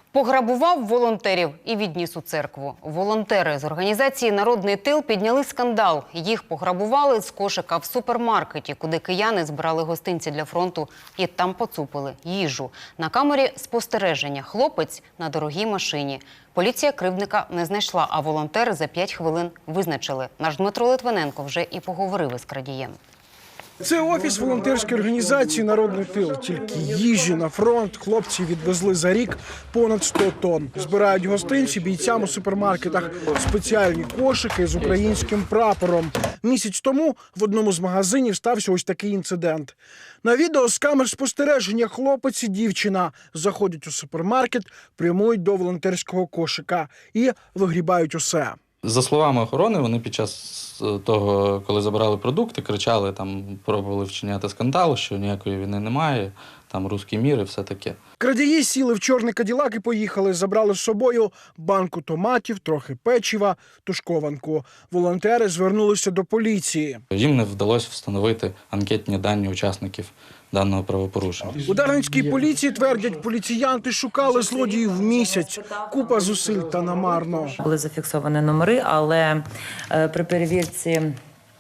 Пограбував волонтерів і відніс у церкву. Волонтери з організації «Народний тил» підняли скандал. Їх пограбували з кошика в супермаркеті, куди кияни збирали гостинці для фронту і там поцупили їжу. На камері спостереження хлопець на дорогій машині. Поліція кривдника не знайшла, а волонтери за 5 хвилин визначили. Наш Дмитро Литвиненко вже і поговорив із крадієм. Це офіс волонтерської організації «Народний тил». Тільки їжі на фронт хлопці відвезли за рік понад 100 тонн. Збирають гостинці бійцям у супермаркетах. Спеціальні кошики з українським прапором. Місяць тому в одному з магазинів стався ось такий інцидент. На відео з камер спостереження хлопець і дівчина заходять у супермаркет, прямують до волонтерського кошика і вигрібають усе. За словами охорони, вони під час того, коли забирали продукти, кричали, там, пробували вчиняти скандал, що ніякої війни немає, там руський мір і все таке. Крадії сіли в чорний каділак і поїхали. Забрали з собою банку томатів, трохи печива, тушкованку. Волонтери звернулися до поліції. Їм не вдалося встановити анкетні дані учасників даного правопорушення. У Дарницькій поліції твердять, поліціянти шукали злодіїв місяць. Купа зусиль та намарно. Були зафіксовані номери, але при перевірці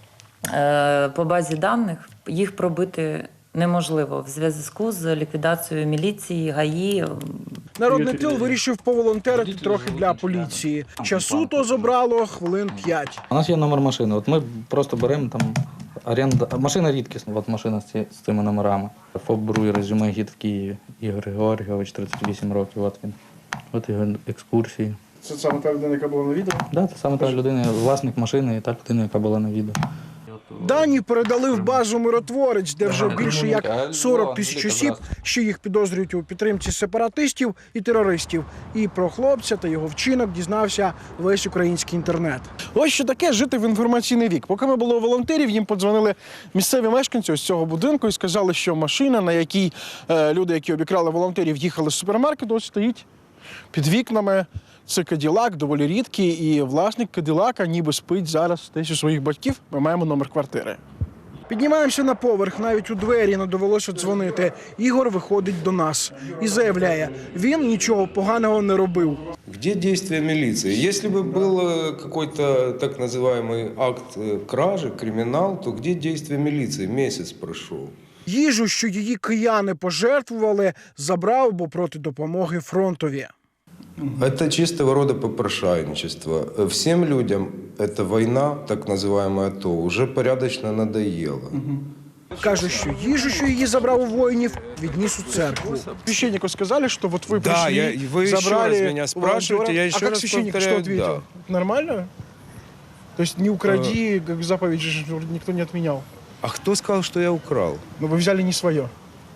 по базі даних їх пробити неможливо в зв'язку з ліквідацією міліції, ГАІ. Народний тил вирішив поволонтерити трохи для поліції. Часу то забрало хвилин 5. У нас є номер машини. От ми просто беремо там оренда. Машина рідкісна, от машина з цими номерами. ФОП «Бруй», резюме «Гід» в Києві. Ігор Георгійович, 38 років. От він. От його екскурсії. Це саме та людина, яка була на відео? Так, це саме та людина, власник машини і та людина, яка була на відео. Дані передали в базу «Миротворець», де вже більше як 40 тисяч осіб, що їх підозрюють у підтримці сепаратистів і терористів. І про хлопця та його вчинок дізнався весь український інтернет. Ось що таке жити в інформаційний вік. Поки ми були у волонтерів, їм подзвонили місцеві мешканці ось цього будинку і сказали, що машина, на якій люди, які обікрали волонтерів, їхали з супермаркету, ось стоїть під вікнами. Це каділак, доволі рідкий, і власник каділака ніби спить зараз десь у своїх батьків. Ми маємо номер квартири. Піднімаємося на поверх, навіть у двері не довелося дзвонити. Ігор виходить до нас і заявляє, він нічого поганого не робив. Где действия милиции? Если бы был какой-то так называемый акт кражи, криминал, то где действия милиции? Месяц прошел. Їжу, що її кияни пожертвували, забрав, бо проти допомоги фронтові. Это чистого рода попрошайничество. Всем людям эта война, так называемая АТО, уже порядочно надоела. Каже, що їжу, що її забрав у воїнів, відніс у церкву. Священнику сказали, що от ви прийшли, вы забрали... еще раз меня спрашиваете, я еще раз священник что повторяю, ответил? Нормально? То есть не укради, как заповедь же никто не отменял. А кто сказал, что я украл? Но вы взяли не свое.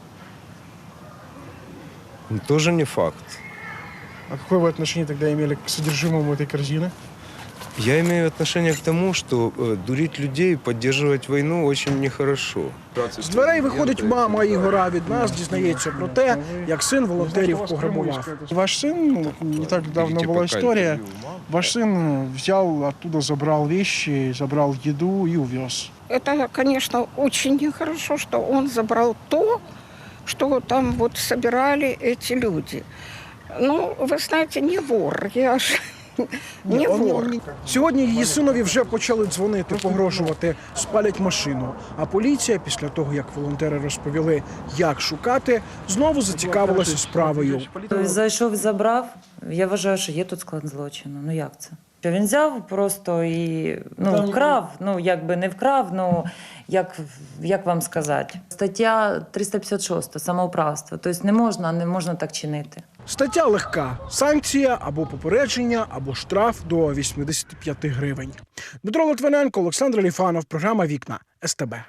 Тоже не факт. А какое вы отношение тогда имели к содержимому этой корзины? Я имею отношение к тому, что дурить людей, поддерживать войну очень нехорошо. З дверей виходить мама Ігора, від нас дізнається про те, як син волонтерів пограбував. Ваш син, не так давно була історія, ваш син взяв оттуда, забрал вещи, забрал еду и увез. Это, конечно, очень нехорошо, что он забрал то, что там вот собирали эти люди. Ну, вы знаете, не вор, я ж не вор. Сьогодні її синові вже почали дзвонити, погрожувати, спалять машину. А поліція, після того, як волонтери розповіли, як шукати, знову зацікавилася справою. Тобто зайшов і забрав, я вважаю, що є тут склад злочину. Ну як це? Що він взяв просто і вкрав, якби не вкрав, як вам сказати. Стаття 356 самоуправство, тобто не можна так чинити. Стаття легка. Санкція або попередження, або штраф до 85 гривень. Дмитро Литвиненко, Олександр Ліфанов. Програма «Вікна» СТБ.